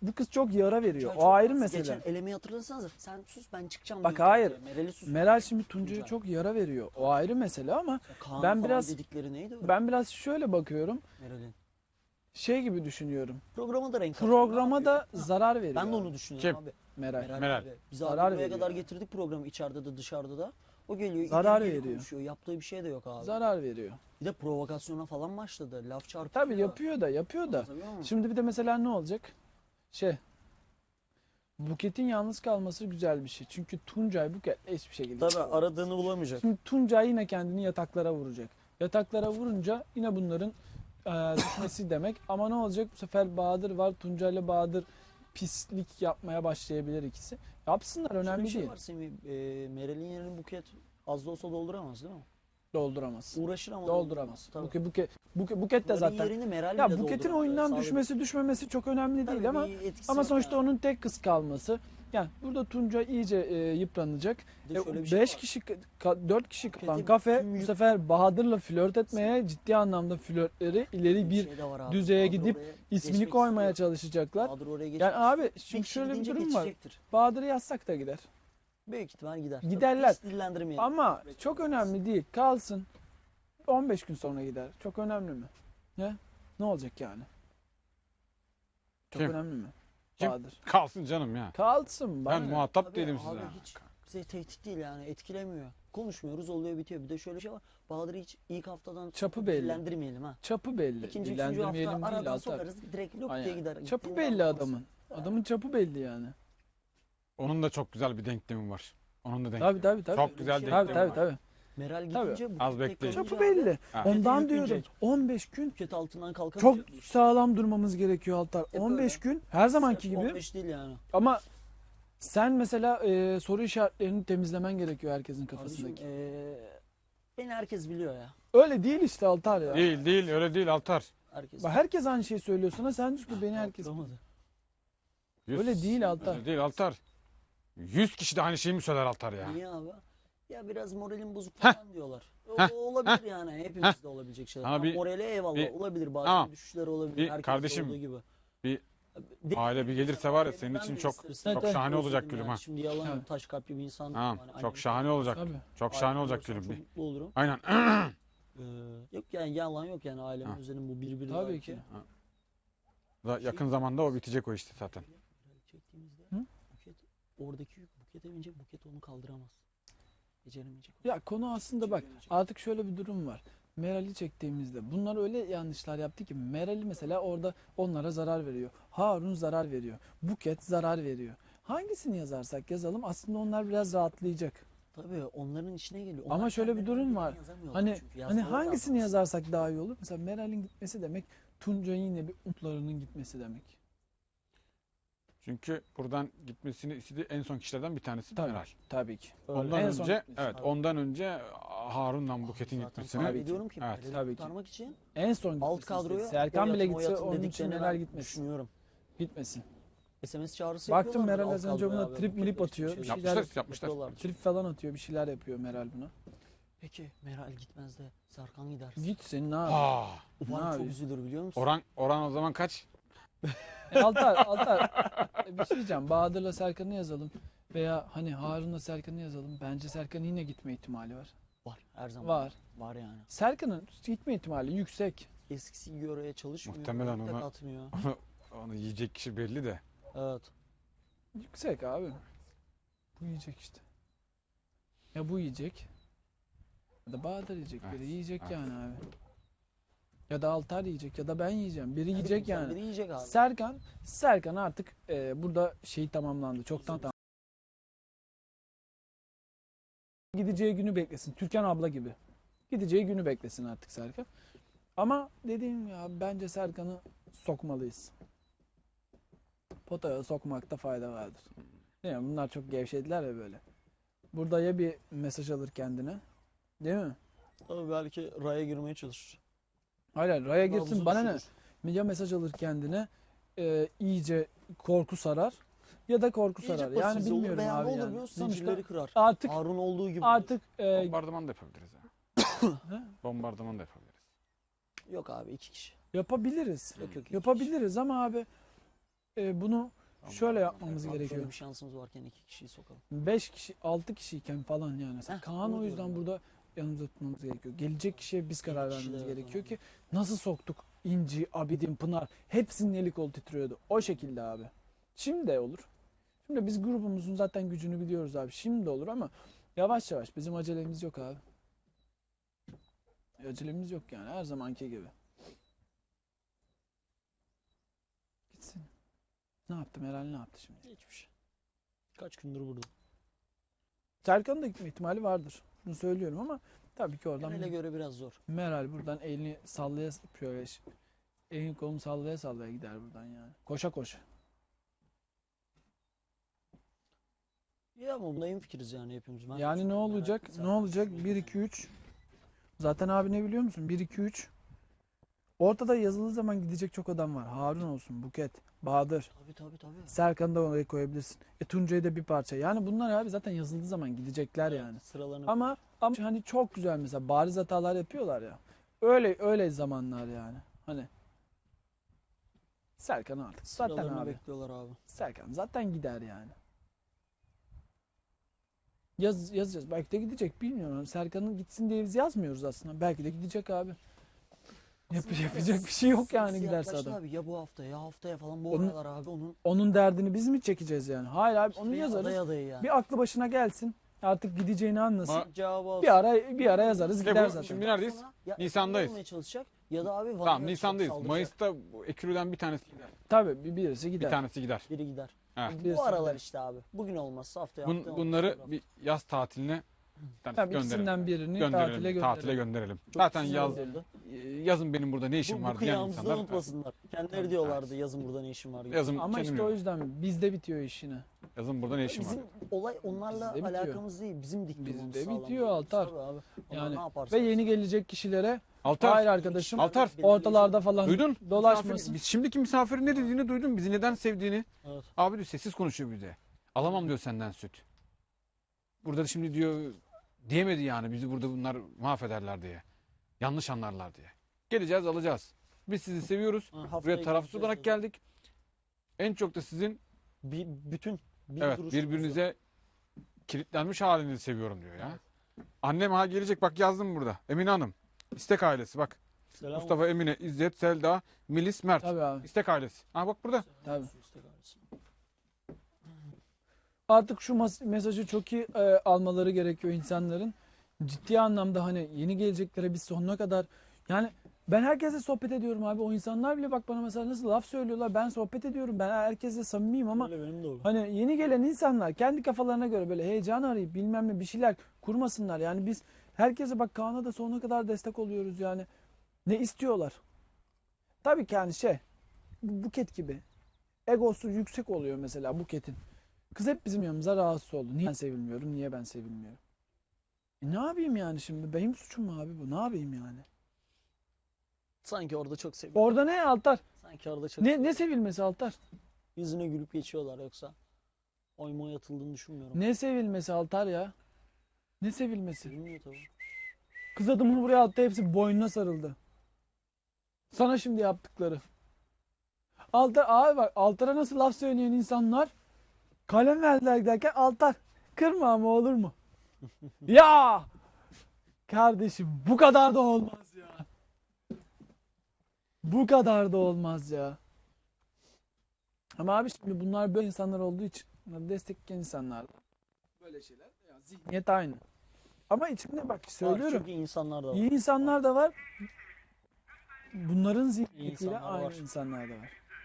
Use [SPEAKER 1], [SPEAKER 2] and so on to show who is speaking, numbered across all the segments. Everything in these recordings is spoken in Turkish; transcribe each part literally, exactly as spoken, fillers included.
[SPEAKER 1] bu kız çok yara veriyor.
[SPEAKER 2] Tuncay
[SPEAKER 1] O
[SPEAKER 2] çok
[SPEAKER 1] ayrı
[SPEAKER 2] rahatsız.
[SPEAKER 1] mesele.
[SPEAKER 2] Geçen elemeyi hatırlasanıza. Sen sus ben çıkacağım.
[SPEAKER 1] Bak
[SPEAKER 2] diyor
[SPEAKER 1] hayır.
[SPEAKER 2] Tuncay'a. Meral'i sus.
[SPEAKER 1] Meral şimdi Tuncay'a
[SPEAKER 2] Tuncay.
[SPEAKER 1] çok yara veriyor. O ayrı mesele ama
[SPEAKER 2] Kaan
[SPEAKER 1] ben
[SPEAKER 2] falan
[SPEAKER 1] biraz
[SPEAKER 2] dedikleri neydi öyle?
[SPEAKER 1] ben biraz şöyle bakıyorum.
[SPEAKER 2] Meral'in.
[SPEAKER 1] Şey gibi düşünüyorum.
[SPEAKER 2] Programa da renk katıyor.
[SPEAKER 1] Programa
[SPEAKER 2] Ne
[SPEAKER 1] da
[SPEAKER 2] yapıyor?
[SPEAKER 1] zarar veriyor.
[SPEAKER 2] Ben de onu düşünüyorum
[SPEAKER 3] Kim?
[SPEAKER 2] abi.
[SPEAKER 1] Meral.
[SPEAKER 2] Meral,
[SPEAKER 3] Meral.
[SPEAKER 2] abi. Biz
[SPEAKER 1] Zarar
[SPEAKER 2] abi buraya
[SPEAKER 1] veriyor.
[SPEAKER 2] kadar getirdik programı içeride de dışarıda da. O geliyor
[SPEAKER 1] Zarar
[SPEAKER 2] ileri geri
[SPEAKER 1] veriyor.
[SPEAKER 2] konuşuyor. Yaptığı bir şey de yok abi.
[SPEAKER 1] Zarar veriyor.
[SPEAKER 2] Bir de provokasyona falan başladı. Laf çarpıyor.
[SPEAKER 1] Tabii yapıyor da yapıyor da.
[SPEAKER 2] Anlatabiliyor muyum?
[SPEAKER 1] Şimdi bir de mesela ne olacak? Şey Buket'in yalnız kalması güzel bir şey. Çünkü Tuncay Buket hiçbir şekilde.
[SPEAKER 2] Tabii aradığını bulamayacak.
[SPEAKER 1] Şimdi Tuncay yine kendini yataklara vuracak. Yataklara vurunca yine bunların e, düşmesi demek. Ama ne olacak? Bu sefer Bahadır var. Tuncay'la Bahadır pislik yapmaya başlayabilir ikisi. Yapsınlar,
[SPEAKER 2] Şöyle
[SPEAKER 1] önemli
[SPEAKER 2] bir şey
[SPEAKER 1] değil.
[SPEAKER 2] var Semih. E, Meral'in yerini Buket az da olsa dolduramaz değil mi?
[SPEAKER 1] Dolduramaz.
[SPEAKER 2] Uğraşır ama
[SPEAKER 1] Dolduramaz.
[SPEAKER 2] Tabii.
[SPEAKER 1] Buket, Buket, Buket, Buket de
[SPEAKER 2] Meral'in
[SPEAKER 1] zaten.
[SPEAKER 2] yerini Meral
[SPEAKER 1] Ya
[SPEAKER 2] bile
[SPEAKER 1] Buket'in
[SPEAKER 2] dolduramaz.
[SPEAKER 1] oyundan
[SPEAKER 2] Sağda bir-
[SPEAKER 1] düşmesi düşmemesi çok önemli
[SPEAKER 2] Tabii
[SPEAKER 1] değil ama
[SPEAKER 2] bir etkisi
[SPEAKER 1] ama
[SPEAKER 2] yok
[SPEAKER 1] sonuçta
[SPEAKER 2] yani.
[SPEAKER 1] onun tek kız kalması. Yani burada Tuncay iyice e, yıpranacak.
[SPEAKER 2] Bir de
[SPEAKER 1] E,
[SPEAKER 2] şöyle bir şey
[SPEAKER 1] beş
[SPEAKER 2] var.
[SPEAKER 1] kişi, ka- dört kişi kalan
[SPEAKER 2] Buket'in
[SPEAKER 1] kafe
[SPEAKER 2] tüm
[SPEAKER 1] bu
[SPEAKER 2] yük-
[SPEAKER 1] sefer Bahadır'la flört etmeye, ciddi anlamda flörtleri ileri bir
[SPEAKER 2] şey de var abi.
[SPEAKER 1] düzeye
[SPEAKER 2] Bahadır
[SPEAKER 1] gidip
[SPEAKER 2] oraya
[SPEAKER 1] ismini
[SPEAKER 2] geçmek
[SPEAKER 1] koymaya
[SPEAKER 2] istiyor.
[SPEAKER 1] çalışacaklar.
[SPEAKER 2] Bahadır oraya geçmek
[SPEAKER 1] Yani abi
[SPEAKER 2] istiyor.
[SPEAKER 1] şimdi
[SPEAKER 2] Bir kişi
[SPEAKER 1] şöyle bir
[SPEAKER 2] gidince
[SPEAKER 1] durum var.
[SPEAKER 2] geçecektir.
[SPEAKER 1] Bahadır'ı yazsak da gider.
[SPEAKER 2] Büyük ihtimal gider.
[SPEAKER 1] Giderler.
[SPEAKER 2] Tabii hiç dillendirmeyelim.
[SPEAKER 1] Ama çok önemli değil. Kalsın. on beş gün sonra gider. Çok önemli mi? Ne? Ne olacak yani? Çok
[SPEAKER 3] Kim?
[SPEAKER 1] önemli mi?
[SPEAKER 3] Kim?
[SPEAKER 1] Bahadır.
[SPEAKER 3] Kalsın canım ya.
[SPEAKER 1] Kalsın. bana
[SPEAKER 3] Ben
[SPEAKER 1] ne?
[SPEAKER 3] muhatap
[SPEAKER 2] Tabii
[SPEAKER 3] değilim
[SPEAKER 2] abi
[SPEAKER 3] size.
[SPEAKER 2] hiç bize tehdit değil yani etkilemiyor. Konuşmuyoruz oluyor bitiyor. Bir de şöyle bir şey var. Bahadır'ı hiç ilk haftadan
[SPEAKER 1] Çapı belli.
[SPEAKER 2] dillendirmeyelim ha.
[SPEAKER 1] Çapı belli.
[SPEAKER 2] İkinci, üçüncü hafta
[SPEAKER 1] Dillendirmeyelim değil,
[SPEAKER 2] aradan
[SPEAKER 1] Altar.
[SPEAKER 2] sokarız direkt lop diye
[SPEAKER 1] Aynen.
[SPEAKER 2] gider.
[SPEAKER 1] Çapı
[SPEAKER 2] Gittiğini
[SPEAKER 1] belli
[SPEAKER 2] anlamaz.
[SPEAKER 1] adamın. Adamın çapı belli yani.
[SPEAKER 3] Onun da çok güzel bir denklemi var. Onun da denklemi.
[SPEAKER 1] Tabii tabii tabii.
[SPEAKER 3] Çok güzel
[SPEAKER 2] Tabii,
[SPEAKER 1] Tabii
[SPEAKER 3] denklemi
[SPEAKER 1] tabii
[SPEAKER 3] var.
[SPEAKER 1] tabii.
[SPEAKER 2] Meral
[SPEAKER 1] Tabii.
[SPEAKER 2] gidince bu
[SPEAKER 3] Az
[SPEAKER 2] tek
[SPEAKER 3] bekleyin.
[SPEAKER 2] kalınca
[SPEAKER 1] Çapı
[SPEAKER 2] abi,
[SPEAKER 1] belli.
[SPEAKER 3] Ha.
[SPEAKER 1] Ondan
[SPEAKER 2] yükleyecek.
[SPEAKER 1] diyorum. on beş gün
[SPEAKER 2] Buket altından
[SPEAKER 1] çok
[SPEAKER 2] kalkamayacak.
[SPEAKER 1] sağlam durmamız gerekiyor Altar.
[SPEAKER 2] Hep
[SPEAKER 1] on beş
[SPEAKER 2] öyle.
[SPEAKER 1] gün her zamanki
[SPEAKER 2] Sırf
[SPEAKER 1] gibi.
[SPEAKER 2] on beş değil yani.
[SPEAKER 1] Ama sen mesela e, soru işaretlerini temizlemen gerekiyor herkesin
[SPEAKER 2] Kardeşim
[SPEAKER 1] kafasındaki.
[SPEAKER 2] eee beni herkes biliyor ya.
[SPEAKER 1] Öyle değil işte Altar ya.
[SPEAKER 3] Değil değil öyle değil Altar.
[SPEAKER 2] Herkes.
[SPEAKER 1] Bak herkes aynı şeyi söylüyor sana. Sen diyorsun ki beni herkes.
[SPEAKER 2] Yaptıramadı.
[SPEAKER 3] Yüz-
[SPEAKER 1] Öyle değil Altar.
[SPEAKER 3] Öyle değil Altar. Yüz kişi de aynı şeyi mi söyler Altar ya?
[SPEAKER 2] Niye abi? Ya biraz moralin bozuk
[SPEAKER 3] Heh.
[SPEAKER 2] falan diyorlar. O,
[SPEAKER 3] Heh.
[SPEAKER 2] o olabilir yani. Hepimizde olabilir şeyler.
[SPEAKER 3] Ama
[SPEAKER 2] Ama
[SPEAKER 3] bir-
[SPEAKER 2] morale eyvallah
[SPEAKER 3] bir-
[SPEAKER 2] olabilir. Bazen
[SPEAKER 3] Tamam.
[SPEAKER 2] düşüşler olabilir.
[SPEAKER 3] Bir
[SPEAKER 2] Herkeste
[SPEAKER 3] kardeşim,
[SPEAKER 2] olduğu gibi.
[SPEAKER 3] bir
[SPEAKER 2] De-
[SPEAKER 3] aile bir gelirse var ya senin
[SPEAKER 2] Ben
[SPEAKER 3] için
[SPEAKER 2] de
[SPEAKER 3] çok
[SPEAKER 2] isteriz.
[SPEAKER 1] Evet,
[SPEAKER 3] çok
[SPEAKER 1] evet.
[SPEAKER 3] şahane olacak
[SPEAKER 2] Özledim
[SPEAKER 3] gülüm
[SPEAKER 2] yani.
[SPEAKER 3] ha.
[SPEAKER 2] Şimdi yalan yok.
[SPEAKER 1] Evet.
[SPEAKER 2] Taş kalpli bir insan.
[SPEAKER 3] Tamam.
[SPEAKER 2] Yani
[SPEAKER 3] Çok
[SPEAKER 2] annem-
[SPEAKER 3] şahane olacak.
[SPEAKER 1] Tabii.
[SPEAKER 3] Çok
[SPEAKER 2] Ailem
[SPEAKER 3] şahane olacak
[SPEAKER 2] olursa
[SPEAKER 3] gülüm.
[SPEAKER 2] Çok
[SPEAKER 3] Bir.
[SPEAKER 2] mutlu olurum.
[SPEAKER 3] Aynen.
[SPEAKER 2] Ee, yok yani yalan yok yani ailemi
[SPEAKER 3] Ha.
[SPEAKER 2] özledim bu birbiri
[SPEAKER 1] Tabii
[SPEAKER 2] belki.
[SPEAKER 1] ki.
[SPEAKER 3] Da- Yakın zamanda o bitecek o işte zaten.
[SPEAKER 2] Çektiğimizde
[SPEAKER 1] Hı?
[SPEAKER 2] Buket oradaki yük Buket'e binecek Buket onu kaldıramaz. Beceremeyecek.
[SPEAKER 1] Ya konu aslında bak artık şöyle bir durum var. Meral'i çektiğimizde bunlar öyle yanlışlar yaptı ki Meral'i mesela orada onlara zarar veriyor. Harun zarar veriyor. Buket zarar veriyor. Hangisini yazarsak yazalım aslında onlar biraz rahatlayacak.
[SPEAKER 2] Tabii onların içine geliyor.
[SPEAKER 1] Ama
[SPEAKER 2] Onlar
[SPEAKER 1] şöyle bir
[SPEAKER 2] kendileri
[SPEAKER 1] durum
[SPEAKER 2] birbirine
[SPEAKER 1] var.
[SPEAKER 2] yazamıyorlar
[SPEAKER 1] Hani
[SPEAKER 2] çünkü.
[SPEAKER 1] hani
[SPEAKER 2] Yazmaları
[SPEAKER 1] hangisini
[SPEAKER 2] lazım.
[SPEAKER 1] yazarsak daha iyi olur? Mesela Meral'in gitmesi demek Tuncay'ın yine bir umutlarının gitmesi demek.
[SPEAKER 3] Çünkü buradan gitmesini istediği en son kişilerden bir tanesi
[SPEAKER 1] Tabii.
[SPEAKER 3] Meral.
[SPEAKER 1] Tabii ki.
[SPEAKER 3] Ondan
[SPEAKER 1] En son
[SPEAKER 3] önce
[SPEAKER 1] gitmesi.
[SPEAKER 3] evet
[SPEAKER 2] Tabii.
[SPEAKER 3] ondan önce Harun'la Buket'in
[SPEAKER 2] Zaten
[SPEAKER 3] gitmesini.
[SPEAKER 2] tahmin
[SPEAKER 1] Tabii ki.
[SPEAKER 2] ediyorum ki
[SPEAKER 3] Evet.
[SPEAKER 2] Meral'i
[SPEAKER 1] Tabii ki.
[SPEAKER 2] kurtarmak için
[SPEAKER 1] En son
[SPEAKER 2] alt
[SPEAKER 1] gitmesi
[SPEAKER 2] kadroya
[SPEAKER 1] istedi. Serkan
[SPEAKER 2] o
[SPEAKER 1] bile
[SPEAKER 2] yatın, o
[SPEAKER 1] gitse
[SPEAKER 2] yatın
[SPEAKER 1] onun için
[SPEAKER 2] dediklerini
[SPEAKER 1] Meral
[SPEAKER 2] ben
[SPEAKER 1] gitmesin.
[SPEAKER 2] Düşünüyorum.
[SPEAKER 1] Gitmesin.
[SPEAKER 2] S M S çağrısı
[SPEAKER 1] Baktım
[SPEAKER 2] yapıyorlardır
[SPEAKER 1] Meral
[SPEAKER 2] alt
[SPEAKER 1] az önce
[SPEAKER 2] kadroya
[SPEAKER 1] buna
[SPEAKER 2] abi,
[SPEAKER 1] trip
[SPEAKER 2] Buket
[SPEAKER 1] milip
[SPEAKER 2] Bey
[SPEAKER 1] atıyor.
[SPEAKER 2] için
[SPEAKER 1] Bir
[SPEAKER 2] şeyler
[SPEAKER 1] şeyler
[SPEAKER 3] Yapmışlar yapmışlar.
[SPEAKER 2] yapıyorlardır.
[SPEAKER 1] trip falan atıyor. Bir şeyler yapıyor Meral buna.
[SPEAKER 2] Peki Meral gitmez de Serkan gider.
[SPEAKER 1] Gitsin ne yapayım?
[SPEAKER 3] Ha.
[SPEAKER 1] Ne
[SPEAKER 2] Ulan çok
[SPEAKER 1] yapayım?
[SPEAKER 2] üzülür biliyor musun?
[SPEAKER 3] Oran oran o zaman kaç?
[SPEAKER 1] E, Altar, Altar. E, bir şey diyeceğim. Bahadır'la Serkan'ı yazalım. Veya hani Harun'la Serkan'ı yazalım. Bence Serkan'ın yine gitme ihtimali var.
[SPEAKER 2] Var her zaman.
[SPEAKER 1] Var.
[SPEAKER 2] Var yani.
[SPEAKER 1] Serkan'ın gitme ihtimali yüksek.
[SPEAKER 2] Eskisi gibi oraya çalışmıyor.
[SPEAKER 3] Muhtemelen
[SPEAKER 2] dikkat
[SPEAKER 3] ona-
[SPEAKER 2] atmıyor.
[SPEAKER 3] Onu yiyecek kişi belli de.
[SPEAKER 2] Evet.
[SPEAKER 1] Yüksek abi. Bu yiyecek işte. Ya bu yiyecek. Ya da Bahadır yiyecek. Biri
[SPEAKER 3] Evet,
[SPEAKER 1] yiyecek
[SPEAKER 3] evet.
[SPEAKER 1] yani abi. Ya da Altar yiyecek ya da ben yiyeceğim. Biri yiyecek
[SPEAKER 2] Biri
[SPEAKER 1] yani.
[SPEAKER 2] Biri yiyecek abi.
[SPEAKER 1] Serkan, Serkan artık e, burada şey tamamlandı. Çoktan tamam. Gideceği günü beklesin. Türkan abla gibi. Gideceği günü beklesin artık Serkan. Ama dediğim ya bence Serkan'ı sokmalıyız. Potaya sokmakta fayda vardır. Değil mi? Bunlar çok gevşediler ya böyle. Burada ya bir mesaj alır kendine. Değil mi?
[SPEAKER 2] Tabii belki raya girmeye çalışır.
[SPEAKER 1] Hayır, raya girsin
[SPEAKER 2] Nabzı
[SPEAKER 1] bana ne?
[SPEAKER 2] düşürür.
[SPEAKER 1] Ya mesaj alır kendine e, iyice korku sarar ya da korku
[SPEAKER 2] İyice
[SPEAKER 1] sarar. Yani
[SPEAKER 2] pasifize olur
[SPEAKER 1] bilmiyorum
[SPEAKER 2] veya ne
[SPEAKER 1] abi
[SPEAKER 2] olur
[SPEAKER 1] yani.
[SPEAKER 2] biliyor musun?
[SPEAKER 1] Sonuçta
[SPEAKER 2] Zincirleri kırar.
[SPEAKER 1] artık
[SPEAKER 2] Harun olduğu gibi.
[SPEAKER 1] artık e,
[SPEAKER 3] Bombardıman da yapabiliriz ha.
[SPEAKER 1] he?
[SPEAKER 3] Bombardıman da yapabiliriz.
[SPEAKER 2] Yok abi iki kişi.
[SPEAKER 1] yapabiliriz.
[SPEAKER 2] Yok yok. iki
[SPEAKER 1] Yapabiliriz ama abi e, bunu şöyle yapmamız
[SPEAKER 2] Abi
[SPEAKER 1] gerekiyor.
[SPEAKER 2] Şöyle bir şansımız varken iki kişiyi sokalım.
[SPEAKER 1] beş kişi, altı kişiyken falan yani. Mesela
[SPEAKER 2] Heh,
[SPEAKER 1] Kaan
[SPEAKER 2] onu
[SPEAKER 1] o yüzden
[SPEAKER 2] diyorum
[SPEAKER 1] burada yanımızda tutmamız gerekiyor. Gelecek kişiye biz karar
[SPEAKER 2] Yedi kişi de
[SPEAKER 1] vermemiz
[SPEAKER 2] evet,
[SPEAKER 1] gerekiyor
[SPEAKER 2] aynen.
[SPEAKER 1] ki nasıl soktuk İnci, Abidin, Pınar hepsinin eli kol titriyordu. O şekilde abi. Şimdi de olur. Şimdi biz grubumuzun zaten gücünü biliyoruz abi. Şimdi de olur ama yavaş yavaş bizim acelemiz yok abi. Acelemiz yok yani her zamanki gibi. Gitsin. Ne yaptı Meral ne yaptı şimdi?
[SPEAKER 2] Hiçbir şey. Kaç gündür burada.
[SPEAKER 1] Serkan'ın da gitme ihtimali vardır. Bunu söylüyorum ama tabii ki oradan
[SPEAKER 2] Genele göre biraz zor.
[SPEAKER 1] Meral buradan elini sallaya şöyle elini kolunu sallaya sallaya gider buradan yani. Koşa koşa.
[SPEAKER 2] Ya ama bunda fikiriz yani hepimiz. Ben
[SPEAKER 1] Yani ne
[SPEAKER 2] merak
[SPEAKER 1] olacak?
[SPEAKER 2] ettim.
[SPEAKER 1] Ne olacak? bir iki üç. Zaten abi ne biliyor musun? bir iki üç. Ortada yazılı zaman gidecek çok adam var. Harun olsun, Buket, Bahadır,
[SPEAKER 2] Tabii tabii tabii.
[SPEAKER 1] Serkan'ı da oraya koyabilirsin. E Tuncay'ı da bir parça. Yani bunlar abi zaten yazıldığı zaman gidecekler yani.
[SPEAKER 2] Sıralarını
[SPEAKER 1] Ama ama hani çok güzel mesela bariz hatalar yapıyorlar ya. Öyle öyle zamanlar yani. Hani Serkan artık zaten
[SPEAKER 2] sıralarını
[SPEAKER 1] abi.
[SPEAKER 2] bekliyorlar abi.
[SPEAKER 1] Serkan zaten gider yani. Yaz, yazacağız. Belki de gidecek bilmiyorum. Serkan'ın gitsin diye biz yazmıyoruz aslında. Belki de gidecek abi. Yap,
[SPEAKER 2] Aslında
[SPEAKER 1] yapacak bir şey yok yani
[SPEAKER 2] siyah
[SPEAKER 1] giderse
[SPEAKER 2] başlı
[SPEAKER 1] adam.
[SPEAKER 2] Abi, ya bu hafta ya haftaya falan bu
[SPEAKER 1] Onun-
[SPEAKER 2] aralar abi onun
[SPEAKER 1] Onun derdini biz mi çekeceğiz yani? Hayır abi onu
[SPEAKER 2] veya
[SPEAKER 1] yazarız.
[SPEAKER 2] aday adayı yani.
[SPEAKER 1] Bir aklı başına gelsin. Artık gideceğini anlasın.
[SPEAKER 3] Ma-
[SPEAKER 2] Cevabı olsun.
[SPEAKER 1] Bir ara bir ara yazarız
[SPEAKER 3] İşte
[SPEAKER 1] gider
[SPEAKER 3] bu
[SPEAKER 1] zaten.
[SPEAKER 3] şimdi neredeyiz?
[SPEAKER 2] Sonra ya
[SPEAKER 3] Nisan'dayız.
[SPEAKER 2] ekonomi olmaya çalışacak ya da abi
[SPEAKER 3] Tamam
[SPEAKER 2] vatandaş
[SPEAKER 3] Nisan'dayız.
[SPEAKER 2] saldıracak.
[SPEAKER 3] Mayıs'ta bu Ekürü'den bir tanesi gider.
[SPEAKER 1] Tabii bir birisi
[SPEAKER 3] Bir
[SPEAKER 1] gider.
[SPEAKER 3] tanesi gider.
[SPEAKER 2] Biri gider.
[SPEAKER 3] Evet.
[SPEAKER 2] Bu
[SPEAKER 1] Birisi
[SPEAKER 2] aralar
[SPEAKER 1] gider.
[SPEAKER 2] işte abi. Bugün olmazsa haftaya
[SPEAKER 3] Bun-
[SPEAKER 2] haftaya
[SPEAKER 3] bunları
[SPEAKER 2] olmazsa
[SPEAKER 3] bir yaz tatiline bir tanesi
[SPEAKER 1] Tabii
[SPEAKER 3] gönderelim.
[SPEAKER 1] ikisinden birini
[SPEAKER 3] Gönderelim.
[SPEAKER 1] tatile gönderelim.
[SPEAKER 3] Tatile gönderelim.
[SPEAKER 2] Çok
[SPEAKER 3] Zaten
[SPEAKER 2] güzel
[SPEAKER 3] yaz
[SPEAKER 2] olurdu.
[SPEAKER 3] yazın benim burada ne işim
[SPEAKER 2] Bu, bu
[SPEAKER 3] var diyen
[SPEAKER 2] kıyamızı da
[SPEAKER 3] insanlar.
[SPEAKER 2] unutmasınlar. Kendileri diyorlardı yazın burada ne işim var diye.
[SPEAKER 3] Yazın
[SPEAKER 1] Ama
[SPEAKER 3] kendim
[SPEAKER 1] işte o
[SPEAKER 3] yok.
[SPEAKER 1] yüzden bizde bitiyor iş yine.
[SPEAKER 3] Yazın burada ne işim var.
[SPEAKER 2] Bizim olay onlarla
[SPEAKER 1] Bizde bitiyor.
[SPEAKER 2] alakamız değil. Bizim diktirmemiz
[SPEAKER 1] Bizde
[SPEAKER 2] sağlam.
[SPEAKER 1] bitiyor Altar.
[SPEAKER 2] Tabii abi. Onlar
[SPEAKER 1] Yani
[SPEAKER 2] ne yaparsa
[SPEAKER 1] ve yeni
[SPEAKER 2] yapsın.
[SPEAKER 1] gelecek kişilere
[SPEAKER 3] Altar,
[SPEAKER 1] hayır arkadaşım
[SPEAKER 3] Altar.
[SPEAKER 1] ortalarda falan
[SPEAKER 3] duydun?
[SPEAKER 1] dolaşmasın.
[SPEAKER 3] Misafir, biz şimdiki misafirin ne dediğini duydun. Bizi neden sevdiğini.
[SPEAKER 2] Evet.
[SPEAKER 3] Abi diyor sessiz konuşuyor bir de. Alamam diyor senden süt. Burada şimdi diyor diyemedi yani bizi burada bunlar mahvederler diye. Yanlış anlarlar diye. Geleceğiz alacağız. Biz sizi seviyoruz.
[SPEAKER 2] Ha, haftaya
[SPEAKER 3] Buraya tarafsız
[SPEAKER 2] gideceğiz
[SPEAKER 3] olarak
[SPEAKER 2] tabii.
[SPEAKER 3] geldik. En çok da sizin
[SPEAKER 2] Bir, bütün bir
[SPEAKER 3] evet
[SPEAKER 2] duruşumuz
[SPEAKER 3] birbirinize kilitlenmiş halinizi seviyorum diyor ya. Annem ha gelecek bak yazdım burada. Emine Hanım. İstek ailesi bak.
[SPEAKER 2] Selam
[SPEAKER 3] Mustafa, Emine, İzzet, Selda, Melis, Mert.
[SPEAKER 1] Tabii abi.
[SPEAKER 3] İstek ailesi. Ha bak burada.
[SPEAKER 1] Tabii.
[SPEAKER 2] olsun, istek ailesi.
[SPEAKER 1] Artık şu mas- mesajı çok iyi e, almaları gerekiyor insanların. Ciddi anlamda hani yeni geleceklere biz sonuna kadar yani ben herkesle sohbet ediyorum abi. O insanlar bile bak bana mesela nasıl laf söylüyorlar. Ben sohbet ediyorum. Ben herkesle samimiyim ama
[SPEAKER 2] Öyle benim de olur.
[SPEAKER 1] hani yeni gelen insanlar kendi kafalarına göre böyle heyecan arayıp bilmem ne bir şeyler kurmasınlar. Yani biz herkese bak Kaan'a da sonuna kadar destek oluyoruz yani. Ne istiyorlar? Tabii ki yani şey bu Buket gibi egosu yüksek oluyor mesela Buket'in. Kız hep bizim yanımıza rahatsız oldu. Niye ben sevilmiyorum? Niye ben sevilmiyorum? E ne yapayım yani şimdi? Benim suçum mu abi bu? Ne yapayım yani?
[SPEAKER 2] Sanki orada çok seviyor.
[SPEAKER 1] Orada ne Altar?
[SPEAKER 2] Sanki orada çok
[SPEAKER 1] Ne ne sevilmesi Altar?
[SPEAKER 2] yüzüne gülüp geçiyorlar yoksa oy moy atıldığını düşünmüyorum.
[SPEAKER 1] Ne sevilmesi Altar ya? Ne sevilmesi?
[SPEAKER 2] Bilmiyor tabii.
[SPEAKER 1] Kız adamını buraya attı hepsi boynuna sarıldı. Sana şimdi yaptıkları. Altar abi bak Altar'a nasıl laf söyleyen insanlar kalem verdiler derken Altar kırma ama olur mu? Ya kardeşim bu kadar da olmaz ya. Bu kadar da olmaz ya. Ama abi şimdi bunlar böyle insanlar olduğu için bunları destekleyen insanlar. Böyle şeyler ya zihniyet aynı. Ama içinde bak
[SPEAKER 2] Var,
[SPEAKER 1] söylüyorum.
[SPEAKER 2] çok iyi insanlar da var.
[SPEAKER 1] İyi insanlar da var. Bunların zihniyetiyle
[SPEAKER 2] insanlar
[SPEAKER 1] aynı
[SPEAKER 2] var.
[SPEAKER 1] insanlar da var.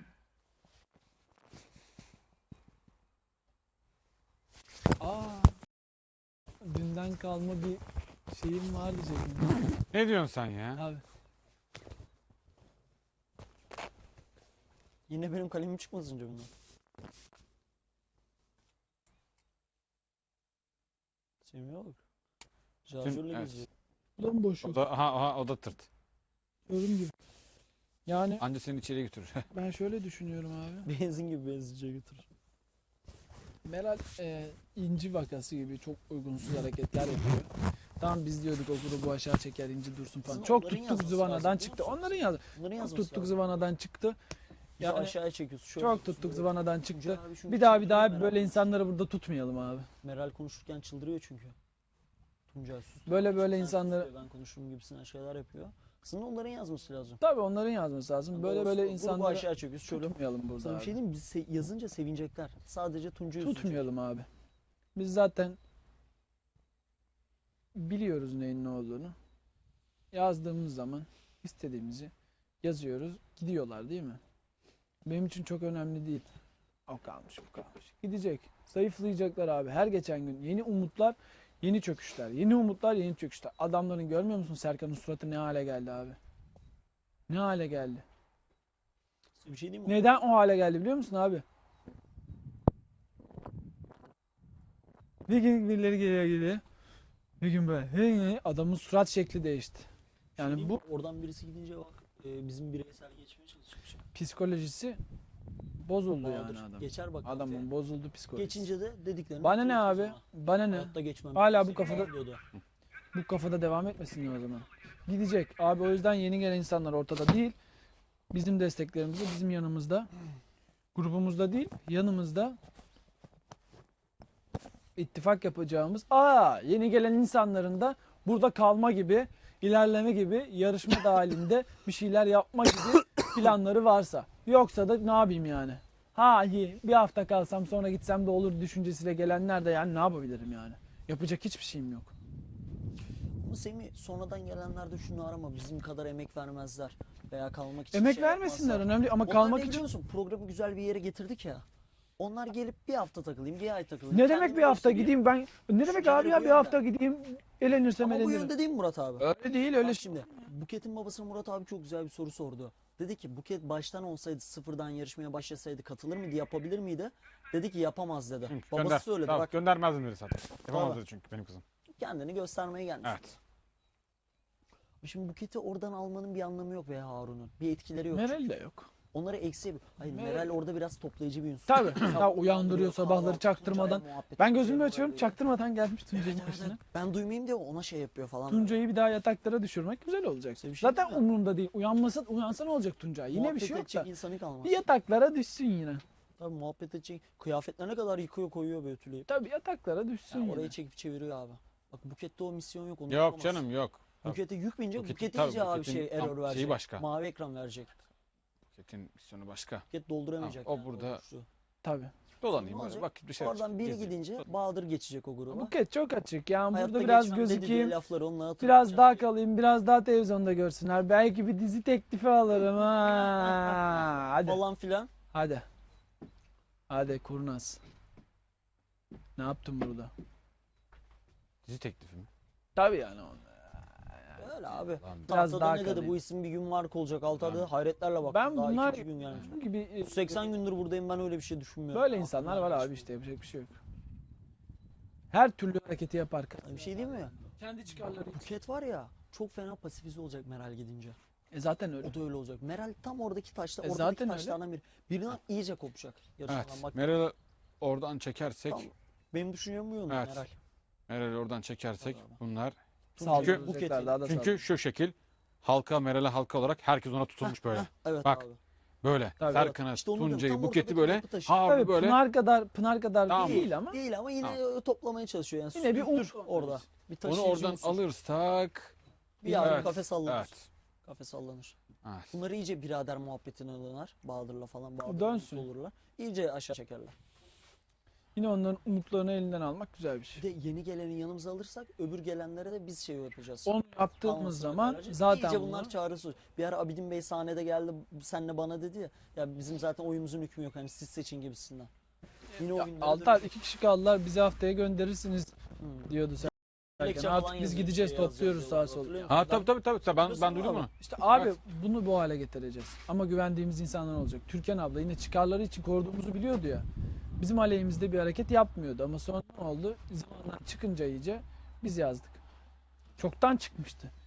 [SPEAKER 1] Aa, dünden kalma bir şeyim var diyecektim.
[SPEAKER 3] Ne diyorsun sen ya?
[SPEAKER 1] Abi.
[SPEAKER 2] Yine benim kalemim çıkmasın cebimden. Semih'e bak. Şarjörle
[SPEAKER 3] evet.
[SPEAKER 2] geziyor.
[SPEAKER 1] Buradan boş
[SPEAKER 3] O
[SPEAKER 1] yok.
[SPEAKER 3] da, aha, aha, o da tırt.
[SPEAKER 1] Gördüğüm gibi. Yani
[SPEAKER 3] Anca seni içeri götürür.
[SPEAKER 1] ben şöyle düşünüyorum abi.
[SPEAKER 2] Benzin gibi benzinciye götürür.
[SPEAKER 1] Meral e, inci vakası gibi çok uygunsuz hareketler yapıyor. Tamam biz diyorduk o grubu aşağı çeker inci dursun falan.
[SPEAKER 2] Aslında
[SPEAKER 1] Çok
[SPEAKER 2] onların
[SPEAKER 1] tuttuk
[SPEAKER 2] yazması
[SPEAKER 1] zıvanadan
[SPEAKER 2] lazım,
[SPEAKER 1] çıktı.
[SPEAKER 2] biliyor musun?
[SPEAKER 1] Onların yazdı.
[SPEAKER 2] Bunları
[SPEAKER 1] Çok
[SPEAKER 2] yazması
[SPEAKER 1] tuttuk
[SPEAKER 2] lazım.
[SPEAKER 1] zıvanadan çıktı.
[SPEAKER 2] Bizi
[SPEAKER 1] Yani
[SPEAKER 2] aşağıya çekiyorsun. Şöyle
[SPEAKER 1] Çok
[SPEAKER 2] yapıyorsun,
[SPEAKER 1] tuttuk
[SPEAKER 2] böyle.
[SPEAKER 1] zıvanadan
[SPEAKER 2] Tuncay
[SPEAKER 1] çıktı.
[SPEAKER 2] abi çünkü
[SPEAKER 1] Bir daha bir
[SPEAKER 2] çıldırıyor
[SPEAKER 1] daha
[SPEAKER 2] Meral
[SPEAKER 1] böyle
[SPEAKER 2] konuşurken.
[SPEAKER 1] insanları burada tutmayalım abi.
[SPEAKER 2] Meral konuşurken çıldırıyor çünkü. Tuncay sus.
[SPEAKER 1] Böyle böyle
[SPEAKER 2] Sen sus
[SPEAKER 1] insanları-
[SPEAKER 2] diyor, ben konuşurum gibisinden şeyler yapıyor. Aslında onların yazması lazım.
[SPEAKER 1] Tabii onların yazması lazım. Böyle
[SPEAKER 2] Doğrusu,
[SPEAKER 1] böyle
[SPEAKER 2] grubu
[SPEAKER 1] insanları
[SPEAKER 2] aşağı çekiyoruz. Şöyle
[SPEAKER 1] tutmayalım burada
[SPEAKER 2] sana bir
[SPEAKER 1] abi.
[SPEAKER 2] şey diyeyim mi? Biz se- yazınca sevinecekler. Sadece Tuncay'ı üzecek.
[SPEAKER 1] Tutmayalım abi. Biz zaten biliyoruz neyin ne olduğunu. Yazdığımız zaman istediğimizi yazıyoruz. Gidiyorlar değil mi? Benim için çok önemli değil. O kalmış bu kalmış. Gidecek. Zayıflayacaklar abi. Her geçen gün yeni umutlar, yeni çöküşler. Yeni umutlar, yeni çöküşler. Adamların görmüyor musun Serkan'ın suratı ne hale geldi abi? Ne hale geldi?
[SPEAKER 2] Bir şey diyeyim mi?
[SPEAKER 1] Neden o hale geldi biliyor musun abi? Bir gün birileri geliyor geliyor. Bir gün böyle. Bir gün adamın surat şekli değişti.
[SPEAKER 2] Bir şey
[SPEAKER 1] Yani
[SPEAKER 2] diyeyim
[SPEAKER 1] bu
[SPEAKER 2] mi? Oradan birisi gidince bak e, bizim bireysel geçmeye çalışmış.
[SPEAKER 1] psikolojisi bozuldu yani
[SPEAKER 2] Bahadır.
[SPEAKER 1] adam.
[SPEAKER 2] Geçer bak.
[SPEAKER 1] Adamın
[SPEAKER 2] kafaya.
[SPEAKER 1] bozuldu psikolojisi.
[SPEAKER 2] Geçince de dediklerini
[SPEAKER 1] Bana ne
[SPEAKER 2] hatırlatıyor
[SPEAKER 1] abi?
[SPEAKER 2] sana.
[SPEAKER 1] Bana ne?
[SPEAKER 2] Hayatta geçmem.
[SPEAKER 1] Hala bu
[SPEAKER 2] Seni
[SPEAKER 1] kafada-
[SPEAKER 2] bekliyordu.
[SPEAKER 1] Bu kafada devam etmesin o zaman. Gidecek. Abi o yüzden yeni gelen insanlar ortada değil. Bizim desteklerimizde, bizim yanımızda. Grubumuzda değil, yanımızda. İttifak yapacağımız. Aa, yeni gelen insanların da burada kalma gibi, ilerleme gibi, yarışma dahilinde bir şeyler yapma gibi planları varsa. Yoksa da ne yapayım yani? Ha iyi, bir hafta kalsam sonra gitsem de olur düşüncesiyle gelenler de yani ne yapabilirim yani? Yapacak hiçbir şeyim yok.
[SPEAKER 2] Ama Semih sonradan gelenler de şunu arama. Bizim kadar emek vermezler. Veya kalmak için
[SPEAKER 1] Emek
[SPEAKER 2] şey
[SPEAKER 1] vermesinler
[SPEAKER 2] yapmazlar.
[SPEAKER 1] önemli ama
[SPEAKER 2] Onlar
[SPEAKER 1] kalmak
[SPEAKER 2] ne
[SPEAKER 1] için.
[SPEAKER 2] biliyor musun? Programı güzel bir yere getirdik ya. Onlar gelip bir hafta takılayım, bir ay takılayım.
[SPEAKER 1] Ne demek
[SPEAKER 2] kendimi
[SPEAKER 1] bir hafta
[SPEAKER 2] göstereyim.
[SPEAKER 1] gideyim ben? Ne demek
[SPEAKER 2] Düşünceleri
[SPEAKER 1] abi ya
[SPEAKER 2] bu
[SPEAKER 1] bir
[SPEAKER 2] yönde.
[SPEAKER 1] hafta gideyim elenirsem
[SPEAKER 2] Ama bu
[SPEAKER 1] elenirim.
[SPEAKER 2] yönde değil mi Murat abi?
[SPEAKER 1] Öyle değil öyle.
[SPEAKER 2] Bak şimdi Buket'in babası Murat abi çok güzel bir soru sordu. Dedi ki Buket baştan olsaydı sıfırdan yarışmaya başlasaydı katılır mıydı, yapabilir miydi? Dedi ki yapamaz dedi. Babası
[SPEAKER 3] Gönder.
[SPEAKER 2] söyledi
[SPEAKER 3] Tamam,
[SPEAKER 2] bak
[SPEAKER 3] göndermezdim dedi zaten. Yapamazdı
[SPEAKER 2] Tabii.
[SPEAKER 3] çünkü benim kızım.
[SPEAKER 2] kendini göstermeye gelmiş.
[SPEAKER 3] Evet.
[SPEAKER 2] Şimdi Buket'i oradan almanın bir anlamı yok veya Harun'un. Bir etkileri yok.
[SPEAKER 1] Meral de yok.
[SPEAKER 2] Onları eksiye... Hayır
[SPEAKER 1] Meral-
[SPEAKER 2] Meral orada biraz toplayıcı bir unsur.
[SPEAKER 1] Tabii.
[SPEAKER 2] Sabah
[SPEAKER 1] Ya uyandırıyor sabahları
[SPEAKER 2] kahvaltı,
[SPEAKER 1] çaktırmadan.
[SPEAKER 2] Tuncay'la muhabbet,
[SPEAKER 1] Ben
[SPEAKER 2] Tuncay'la
[SPEAKER 1] gözümü açıyorum
[SPEAKER 2] böyle-
[SPEAKER 1] çaktırmadan gelmiş
[SPEAKER 2] Evet,
[SPEAKER 1] Tuncay'ın
[SPEAKER 2] evet,
[SPEAKER 1] başına.
[SPEAKER 2] evet. Ben duymayayım diye ona şey yapıyor falan.
[SPEAKER 1] Tuncay'ı bir daha yataklara düşürmek güzel olacak.
[SPEAKER 2] Size bir şey
[SPEAKER 1] Zaten
[SPEAKER 2] diyeyim mi?
[SPEAKER 1] umurumda değil. Uyanmasa, uyansa ne olacak Tuncay? Yine bir
[SPEAKER 2] Muhabbet
[SPEAKER 1] şey yok
[SPEAKER 2] edecek
[SPEAKER 1] da.
[SPEAKER 2] insanı kalmaz.
[SPEAKER 1] Bir yataklara düşsün yine.
[SPEAKER 2] Tabii muhabbet edecek. Kıyafetlerine kadar yıkıyor koyuyor böyle ütüleyip.
[SPEAKER 1] Tabii yataklara düşsün
[SPEAKER 2] Yani
[SPEAKER 1] yine.
[SPEAKER 2] orayı çekip çeviriyor abi. Bak Buket'te o misyon yok. Onu
[SPEAKER 3] Yok
[SPEAKER 2] yapamaz.
[SPEAKER 3] canım yok.
[SPEAKER 2] Buket'e yük binecek.
[SPEAKER 3] Buketin-
[SPEAKER 2] Buket'e
[SPEAKER 3] tabii,
[SPEAKER 2] iyice abi
[SPEAKER 3] Buket'in
[SPEAKER 2] şey
[SPEAKER 3] tam
[SPEAKER 2] error verecek.
[SPEAKER 3] şeyi başka.
[SPEAKER 2] Mavi ekran verecek.
[SPEAKER 3] Buketin misyonu başka.
[SPEAKER 2] Buket dolduramayacak.
[SPEAKER 3] Ha, o
[SPEAKER 2] yani
[SPEAKER 3] burada-
[SPEAKER 2] boşluğu.
[SPEAKER 1] Tabii.
[SPEAKER 3] Dolanayım
[SPEAKER 2] Ne
[SPEAKER 3] böyle
[SPEAKER 2] olacak?
[SPEAKER 3] bak bir şey
[SPEAKER 2] Oradan biri
[SPEAKER 3] gezeyim.
[SPEAKER 2] gidince Bahadır geçecek o gruba.
[SPEAKER 1] Buket çok açık. Yani
[SPEAKER 2] Hayatta
[SPEAKER 1] burada biraz
[SPEAKER 2] geçmem dedi diye
[SPEAKER 1] gözükeyim.
[SPEAKER 2] lafları onunla hatırlatacak.
[SPEAKER 1] Biraz daha kalayım, biraz daha televizyonda görsünler. Belki bir dizi teklifi alırım ha. Hadi.
[SPEAKER 2] falan filan.
[SPEAKER 1] Hadi. Hadi kurnaz. Ne yaptın burada?
[SPEAKER 3] Dizi teklifi mi?
[SPEAKER 1] Tabii yani.
[SPEAKER 2] Öyle abi.
[SPEAKER 3] Lan,
[SPEAKER 1] Biraz
[SPEAKER 2] Tahtada
[SPEAKER 1] daha
[SPEAKER 2] ne dedi
[SPEAKER 1] kalayım.
[SPEAKER 2] bu isim bir gün marka olacak. Altı adı
[SPEAKER 3] Lan.
[SPEAKER 2] hayretlerle bak.
[SPEAKER 1] Ben
[SPEAKER 2] Daha
[SPEAKER 1] bunlar
[SPEAKER 2] ikinci gün gelmiş.
[SPEAKER 1] bu gibi e,
[SPEAKER 2] seksen gündür buradayım ben öyle bir şey düşünmüyorum.
[SPEAKER 1] böyle insanlar var abi işte yapacak bir şey yok. Her türlü hareketi yapar.
[SPEAKER 2] Bir şey değil mi?
[SPEAKER 1] Kendi çıkarları için.
[SPEAKER 2] Buket var ya çok fena pasifize olacak Meral gidince.
[SPEAKER 1] E zaten öyle.
[SPEAKER 2] O da öyle olacak. Meral tam oradaki taşta,
[SPEAKER 1] E
[SPEAKER 2] oradaki
[SPEAKER 1] zaten öyle.
[SPEAKER 2] taşlardan biri. Birinden iyice kopacak. Yarışmadan
[SPEAKER 3] Evet.
[SPEAKER 2] bak.
[SPEAKER 3] Meral'ı oradan çekersek,
[SPEAKER 2] Tam benim düşüncem bu yönde
[SPEAKER 3] Evet.
[SPEAKER 2] Meral.
[SPEAKER 3] Meral'i oradan çekersek
[SPEAKER 2] Tabii abi.
[SPEAKER 3] bunlar.
[SPEAKER 1] Saldıracaklar,
[SPEAKER 2] Buket'i-
[SPEAKER 1] daha da
[SPEAKER 3] Çünkü
[SPEAKER 1] saldıracak.
[SPEAKER 3] şu şekil halka, Meral'e halka olarak herkes ona tutulmuş böyle.
[SPEAKER 2] Heh, evet
[SPEAKER 3] Bak,
[SPEAKER 2] abi.
[SPEAKER 3] Böyle.
[SPEAKER 1] Tabii,
[SPEAKER 3] Serkan'ı,
[SPEAKER 2] İşte onu diyorum,
[SPEAKER 3] Tuncay'ı,
[SPEAKER 2] tam
[SPEAKER 3] Buket'i
[SPEAKER 2] ortadaki
[SPEAKER 3] böyle
[SPEAKER 2] yapı taşı.
[SPEAKER 3] harbi
[SPEAKER 1] Tabii
[SPEAKER 3] böyle.
[SPEAKER 1] Pınar kadar Pınar kadar
[SPEAKER 3] Tamam.
[SPEAKER 1] değil ama
[SPEAKER 2] Değil ama yine toplamaya çalışıyor yani.
[SPEAKER 1] Yine bir
[SPEAKER 2] Sürtür
[SPEAKER 1] umut
[SPEAKER 2] orada. Bir
[SPEAKER 3] Onu
[SPEAKER 2] taşıyıcı
[SPEAKER 3] oradan
[SPEAKER 2] unsur.
[SPEAKER 3] alırsak.
[SPEAKER 2] Bir yavru
[SPEAKER 3] Evet,
[SPEAKER 2] kafe sallanır.
[SPEAKER 3] Evet.
[SPEAKER 2] Kafe sallanır.
[SPEAKER 3] Evet.
[SPEAKER 2] Bunları iyice birader muhabbetine döner. Bahadır'la falan Bahadır'la
[SPEAKER 1] dönsün.
[SPEAKER 2] mutlu olurlar. İyice aşağı çekerler.
[SPEAKER 1] yine onların umutlarını elinden almak güzel bir şey.
[SPEAKER 2] Bir de yeni geleni yanımıza alırsak öbür gelenlere de biz şey yapacağız.
[SPEAKER 1] Onu yaptığımız
[SPEAKER 2] Anlasını
[SPEAKER 1] zaman
[SPEAKER 2] vereceğiz.
[SPEAKER 1] zaten
[SPEAKER 2] İyice bunlar
[SPEAKER 1] bunu-
[SPEAKER 2] çağrısı. Bir ara Abidin Bey sahnede geldi senle bana dedi ya. Ya bizim zaten oyumuzun hükmü yok hani siz seçin gibisinden. Yine o
[SPEAKER 1] Ya,
[SPEAKER 2] günlere
[SPEAKER 1] Altar
[SPEAKER 2] dönüyoruz.
[SPEAKER 1] iki kişi kaldılar bizi haftaya gönderirsiniz
[SPEAKER 2] Hmm.
[SPEAKER 1] diyordu Serkan.
[SPEAKER 2] Dilekçe
[SPEAKER 1] Artık
[SPEAKER 2] falan
[SPEAKER 1] biz
[SPEAKER 2] yazıyor,
[SPEAKER 1] gideceğiz
[SPEAKER 2] şey yazacağız
[SPEAKER 1] topluyoruz sağa
[SPEAKER 2] diyorlar,
[SPEAKER 1] sola.
[SPEAKER 2] hatırlıyor musun?
[SPEAKER 3] Ha tabii tabii tabii. Ben,
[SPEAKER 2] Biliyorsun
[SPEAKER 3] ben duydum
[SPEAKER 2] abi.
[SPEAKER 3] onu.
[SPEAKER 1] İşte abi
[SPEAKER 3] Evet.
[SPEAKER 1] bunu bu hale getireceğiz. Ama güvendiğimiz insanlar olacak. Türkan abla yine çıkarları için koruduğumuzu biliyordu ya. Bizim aleyhimizde bir hareket yapmıyordu ama sonra ne oldu? Zamandan çıkınca iyice biz yazdık. Çoktan çıkmıştı.